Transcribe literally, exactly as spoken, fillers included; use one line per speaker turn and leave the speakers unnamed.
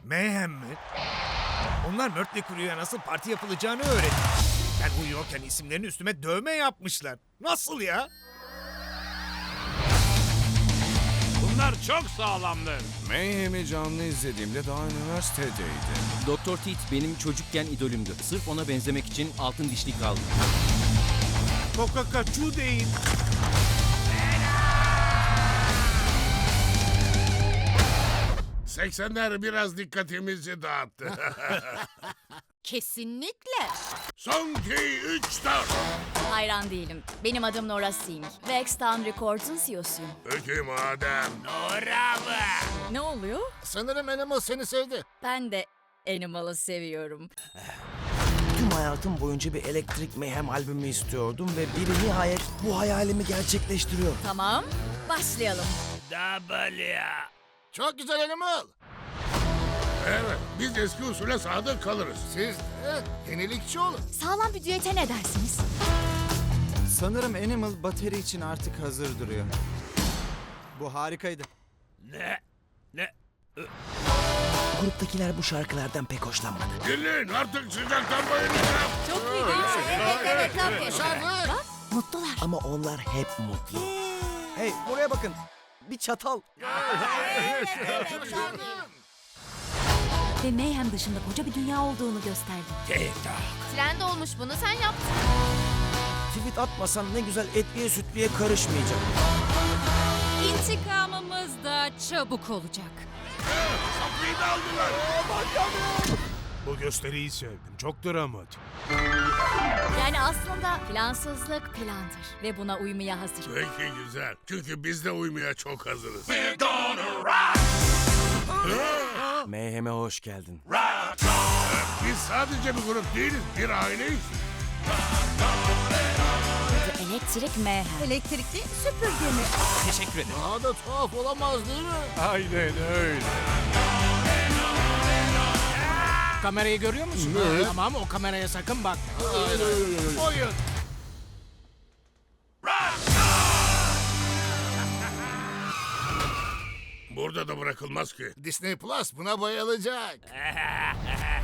Mayhem mi? Onlar Mötley Crüe'ye nasıl parti yapılacağını öğretti. Ben uyuyorken isimlerini üstüme dövme yapmışlar. Nasıl ya?
Bunlar çok sağlamdır.
Mayhem'i canlı izlediğimde daha üniversitedeydim.
Doktor Teeth benim çocukken idolümdü. Sırf ona benzemek için altın dişlik aldım.
Kokakaçu deyin.
seksenler biraz dikkatimizi dağıttı.
Kesinlikle.
Son iki, üç, dört.
Hayran değilim. Benim adım Nora Singh. ve X-Town Records'un C E O'suyum.
Peki madem. Nora mı?
Ne oluyor?
Sanırım Animal seni sevdi.
Ben de Animal'ı seviyorum.
Tüm hayatım boyunca bir Electric Mayhem albümü istiyordum ve biri nihayet bu hayalimi gerçekleştiriyor.
Tamam, başlayalım.
W.
Çok güzel Animal.
Evet, biz eski usule sadık kalırız.
Siz evet, yenilikçi olun.
Sağlam bir düete ne dersiniz?
Sanırım Animal bateri için artık hazır duruyor. Bu harikaydı.
Ne? Ne?
Gruptakiler bu şarkılardan pek hoşlanmadı.
Dinleyin artık sıcaktan bayılacağım.
Çok iyi değil mi? Evet, evet, tabii. Bak, mutlular.
Ama onlar hep mutlu.
Hey buraya bakın. Bir çatal.
Ve Mayhem dışında koca bir dünya olduğunu gösterdi. Trend olmuş, bunu sen yaptın.
Tweet atmasan ne güzel etliye sütlüye karışmayacak.
İntikamımız da çabuk olacak.
Kapıyı da aldılar.
Bu gösteriyi sevdim. Çok dramatik.
Yani aslında plansızlık plandır ve buna uymaya hazırım.
Peki güzel. Çünkü biz de uymaya çok hazırız.
Mayhem'e hoş geldin.
Biz sadece bir grup değiliz, bir aileyiz.
Ve elektrik Mayhem.
Elektrikli süpürge mi?
Teşekkür ederim.
Daha da tuhaf olamaz değil mi?
Aynen öyle.
Kamerayı görüyor musun? Tamam, o kameraya sakın bak. Oyun.
Burada da bırakılmaz ki.
Disney Plus buna bayılacak.